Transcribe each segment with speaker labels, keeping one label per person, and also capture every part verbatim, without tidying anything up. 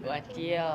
Speaker 1: ว่าเจียว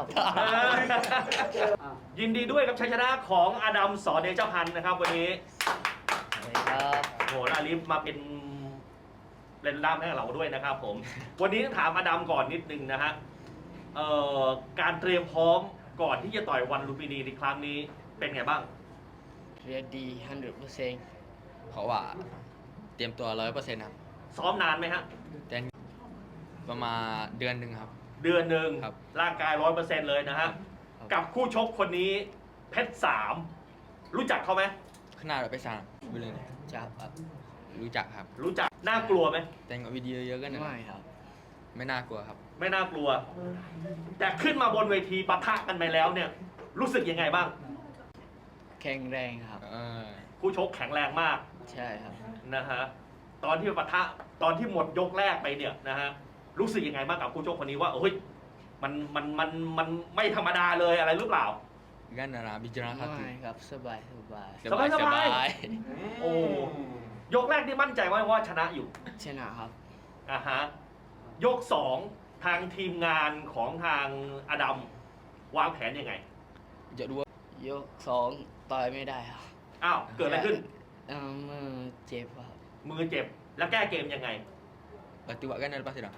Speaker 2: ยินดีด้วยกับชัยชนะของอดัมสอนเดชพันธ์นะครับวันนี้
Speaker 1: สวัสดีครับ
Speaker 2: โหอาลิฟมาเป็นเล่นล่ามให้กับเราด้วยนะครับผมวันนี้ต้องถามอดัมก่อนนิดนึงนะฮะเอ่อการเตรียมพร้อมก่อนที่จะต่อยวันลุมพินีในครั้งนี้เป็นไงบ้าง
Speaker 1: เรียนดีฮันเดอร์เปอร์เซ็นต์
Speaker 3: เพราะว่าเตรียมตัวร้อยเปอร์เซ็นต์ครับ
Speaker 2: ซ้อมนานไหมฮะ
Speaker 3: แต่ประมาณเดือนหนึ่งครับ
Speaker 2: เดือนหนึ่ง
Speaker 3: ครับ
Speaker 2: ร่างกายร้อยเปอร์เซ็นต์เลยนะฮะกับคู่ชกคนนี้เพชรสามรู้จักเขาไหม
Speaker 3: ขนาดเราไปสั่งไปเลยนะ
Speaker 1: จับครับ
Speaker 3: รู้จักครับ
Speaker 2: รู้จักน่ากลัวไหม
Speaker 3: แต่งวิดีโอเยอะกันนะ
Speaker 1: ไม่ครับ
Speaker 3: ไม่น่ากลัวครับ
Speaker 2: ไม่น่ากลัว แต่ขึ้นมาบนเวทีปะทะกันไปแล้วเนี่ย รู้สึกยังไงบ้าง
Speaker 1: แข็งแรงครับ
Speaker 3: เออ
Speaker 2: คู่ชกแข็งแรงมาก
Speaker 1: ใช่ครับ
Speaker 2: นะฮะตอนที่ปะทะตอนที่หมดยกแรกไปเนี่ยนะฮะรู้สึกยังไงบ้างกับคู่ชกคนนี้ว่าเฮ้ยมันมันมันมันไม่ธรรมดาเลยอะไรหรือเปล่า
Speaker 3: กันนะนะบิจารณาครับ
Speaker 1: ไม่ครับสบายสบาย
Speaker 2: สบายสบาย
Speaker 3: ย
Speaker 2: โอ้ยกแรกนี่มั่นใจว่าว่าชนะอยู่
Speaker 1: ชนะครับ
Speaker 2: อ่ะฮะยกสองทางทีมงานของทางอดัมวางแผนยังไง
Speaker 3: จะดูว่าย
Speaker 1: กสองต่อยไม่ได้ครับ
Speaker 2: อ้าวเกิดอะไรขึ้น
Speaker 1: เอ่อมือเจ็บครับ
Speaker 2: มือเจ็บแล้วแก้เกมยังไง
Speaker 3: ปฏิวัติกันนะป้าสิดาว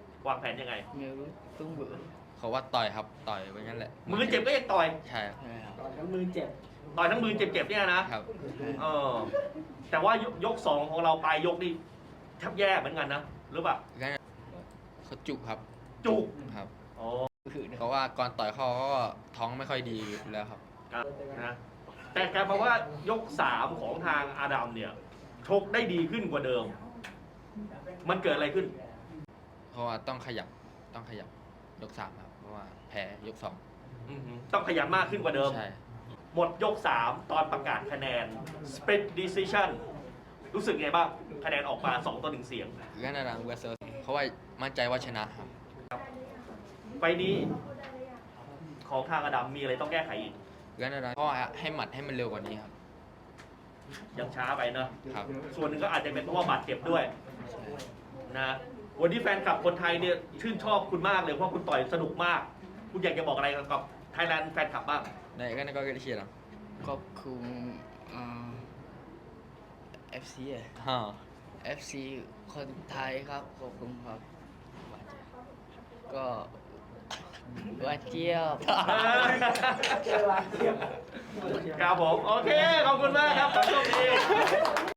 Speaker 2: างแผนยังไง
Speaker 1: ไม่รู้ต้องเบื่อ
Speaker 3: เขาว่าต่อยครับต่อยไว้งั้นแหละ
Speaker 2: มือเจ็บก็ยังต่อย
Speaker 3: ใช่ครับ
Speaker 1: ใช่ครับ
Speaker 2: ต่อยทั้งมือเจ็บๆเนี่ยนะครับ เออแต่ว่ายกยกสองของเราปลายยกนี่แทบแย่เหมือนกันนะหรือเปล่า
Speaker 3: กันเขาจุกครับ
Speaker 2: จุก
Speaker 3: ครับ
Speaker 2: อ๋อ
Speaker 1: คือนะ
Speaker 3: เขาว่าก่อนต่อยเขาก็ท้องไม่ค่อยดีอยู่แล้วครับ
Speaker 2: ครับนะแต่กลายมาว่ายกสามของทางอาดัมเนี่ยชกได้ดีขึ้นกว่าเดิม มันเกิดอะไรขึ้น
Speaker 3: เพราะว่าต้องขยับต้องขยับยกสามครับเพราะว่าแพ้ยกสอง
Speaker 2: อือหือต้องขยันมากขึ้นกว่าเดิม
Speaker 3: ใช่
Speaker 2: หมดยกสามตอนประกาศคะแนน split decision รู้สึกไงบ้างคะแนนออกมาสองต่อหนึ่งเสียง
Speaker 3: กันนะนะเวสเซอร์เพราะว่ามั่นใจว่าชนะครับ
Speaker 2: ไฟล์นี้ของทางอาดัมมีอะไรต้องแก้ไขอีก
Speaker 3: กันนะนะเพราะว่าให้หมัดให้มันเร็วกว่านี้ครับ
Speaker 2: ยังช้าไปเนอะ
Speaker 3: ครับ
Speaker 2: ส่วนหนึ่งก็อาจจะเป็นเพราะว่าบาดเจ็บด้วย
Speaker 1: ใช่
Speaker 2: นะวันนี้แฟนคลับคนไทยเนี่ยชื่นชอบคุณมากเลยเพราะคุณต่อยสนุกมาก คุณอยากจะบอกอะไรกับไทยแลนด์แฟนคลับบ้าง
Speaker 3: ในกันนะก็เชียร์นะ
Speaker 1: ขอบคุณเอ่อ เอฟ ซี อะ
Speaker 3: ฮะ
Speaker 1: เอฟ ซี คนไทยครับขอบคุณครับก็ว่าเจียว
Speaker 2: ครับผม โอเค ขอบคุณมากครับขอโชคดี